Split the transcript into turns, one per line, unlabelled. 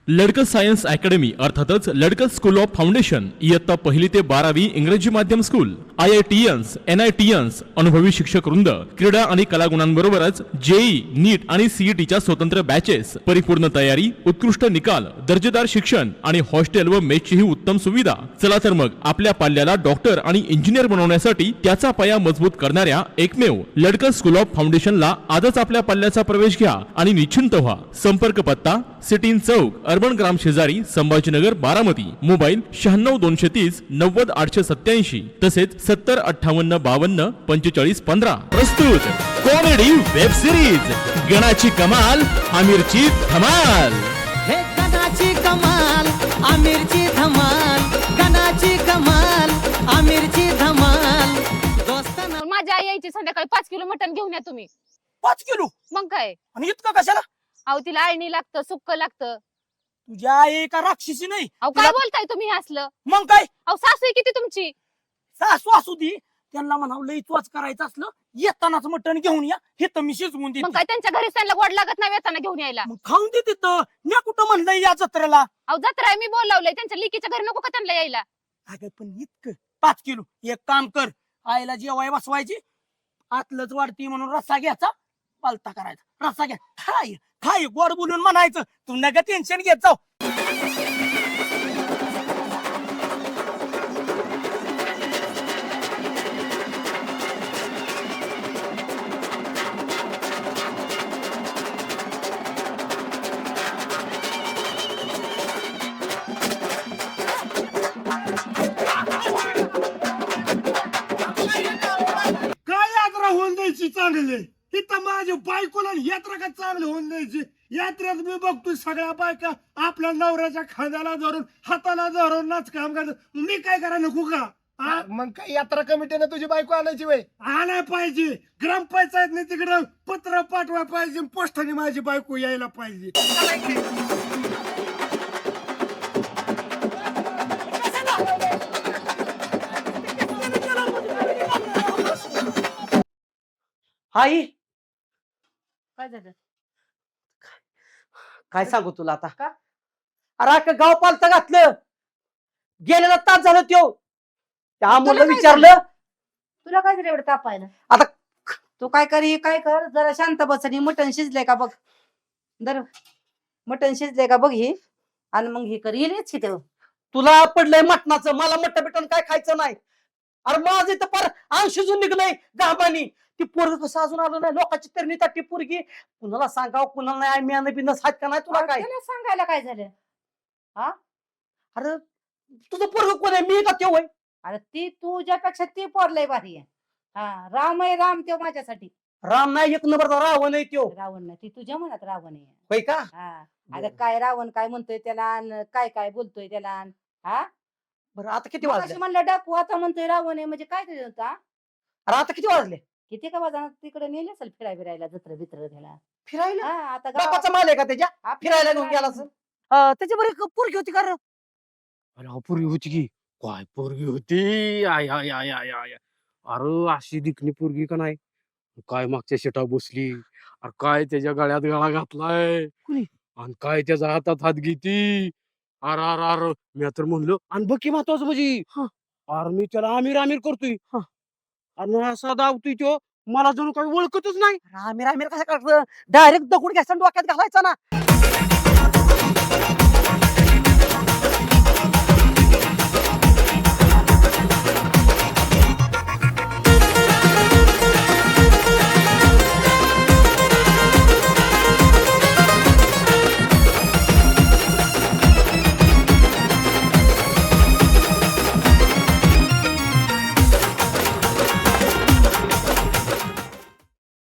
लडकं science academy अर्थातच लडकं school of foundation इयत्ता 1ली ते 12वी इंग्रजी माध्यम स्कूल, IITians, NITians, अनुभवी शिक्षक वृंद, क्रीडा आणि कलागुणांबरोबरच जेई, नीट आणि सीईटीच्या स्वतंत्र बॅचेस, परिपूर्ण तयारी, उत्कृष्ट निकाल, दर्जेदार शिक्षण आणि हॉस्टेल व मेसची ही उत्तम सुविधा. चला तर मग आपल्या पाल्याला डॉक्टर आणि इंजिनियर बनवण्यासाठी त्याचा पाया मजबूत करणाऱ्या एकमेव लडकं स्कूल ऑफ फाउंडेशनला आजच आपल्या पाल्याचा प्रवेश घ्या आणि निश्चिंत व्हा. संपर्क पत्ता सिटीन चौक, अर्बन ग्राम शेजारी, संभाजीनगर, बारामती. मोबाईल 96 230 90 887 तसेच 70 58 52 45 15. प्रस्तुत कॉमेडी वेब सिरीज गणाची कमाल आमिरची धमाल.
हे गणाची कमाल आमिरची धमाल, गणाची कमाल आमिरची धमाल. दोस्तांना
माझी आई यायची संध्याकाळी 5 किलो मटण घेऊन या तुम्ही.
5 किलो
मग काय?
आणि इतकं कशाला?
अहो तिला आळणी लागतं, सुक्क लागतं.
तुझ्या आई का राक्षसी नाही?
अहो काय बोलताय तुम्ही हे असलं?
मग काय
अहो सासू आहे किती तुमची?
सासू असू दे, त्यांना म्हणावं लई चोच करायचं असलं येतानाच मटण घेऊन या, हे तर मी शिजवून
मग
देते.
काय त्यांच्या घरी त्यांना गोड लागत नाही येताना घेऊन यायला?
मग खाऊन दे तिथं. मी कुठं म्हणलंय या जत्रेला?
अहो जत्रा आहे, मी बोलावलंय. त्यांच्या लिकीच्या घरी नको का त्यांना यायला?
अगं पण इतकं 5 किलो. एक काम कर, आईला जेवाय बसवायची, आतलंच वाढती म्हणून रस्सा घ्यायचा, पालता करायचा. रस्सा घ्या, खाय खाय, गोड बोलून म्हणायचं. तू नका टेन्शन घेत जाऊ.
काय यात्रा होऊन द्यायची चांगली? इथं माझ्या बायकोला यात्रा का चांगली होऊन द्यायची? यात्रेत मी बघतोय सगळ्या बायका आपल्या नवऱ्याच्या खांद्याला धरून हाताला धरून नाच काम करतात. मी काय करायला नको का?
मग काय यात्रा कमिटीने तुझी बायको आणायची वय?
आणाय पाहिजे. ग्रामपंचायतने तिकडं पत्र पाठवाय पाहिजे, पोस्टाने माझी बायको यायला पाहिजे.
आई
काय झालं?
काय सांगू तुला आता?
का?
अरे अख्खं गाव पालतं घातलं. गेलेला तास झालं त्यो. त्या मुलं
तुला काय
विचारलं,
तुला काय झालं एवढं तापायला?
आता
तू काय कर, हे काय कर, जरा शांत बस आणि मटण शिजलंय का बघ. दर मटण शिजलंय का बघ हे, आणि मग हे कर, येईलच की तेव्हा.
तुला पडलंय मटणाचं, मला मटण बिटण काय खायचं नाही. अरे माझं इथं पर अंग शिजून निघलंय गाबानी. ती पोरग कसं अजून आलं नाही? लोकांची तरणी ती पोरगी कुणाला सांगाव, कुणाला नाही. मी बिनस हात का नाही तुला काय?
त्याला सांगायला काय झालं?
अरे तुझं पोरग कोण आहे? मी का त्यो होय?
अरे ती तुझ्यापेक्षा ती पोरलंय भारी आहे. हा, राम आहे, राम त्यो माझ्यासाठी.
राम नाही, एक नंबरचा रावण आहे त्यो.
रावण नाही, ती तुझ्या मनात रावण आहे.
होय का?
हा, अरे काय रावण काय म्हणतोय त्याला, काय काय बोलतोय त्याला. हा,
बरं आता किती
मगाशी
वाजले?
म्हणलं डाकू, आता म्हणतोय रावण आहे, म्हणजे काय ते होता?
अरे आता किती वाजले?
किती का वाजणार? तिकडे नेले असेल फिरायला, जत्र बित्र त्याला.
फिरायला?
हा, आता गावात-
बापाचा माल आहे का त्याच्या?
हा,
फिरायला घेऊन गेला असेल. त्याच्या बरी पोरगी होती का रे?
अरे पोरगी होती की काय पोरगी होती? आय आय आय आय आय. अरे अशी दिखणी पोरगी का नाही? काय मागच्या शेटा बसली, अरे काय त्याच्या गळ्यात गळा घातलाय,
कुणी?
आणि काय त्याच्या हातात हात घेती. अरे अरे अरे, मी तर म्हणलो, आणि बघ की महत्वाचं म्हणजे अरे मी त्याला आमिर आमिर करतोय, आणि असा दावतोय तो, मला जणू काही ओळखतच नाही.
आमिर आमिर कसं करतं? डायरेक्ट दगड घ्यायचा आणि डोक्यात घालायचा ना.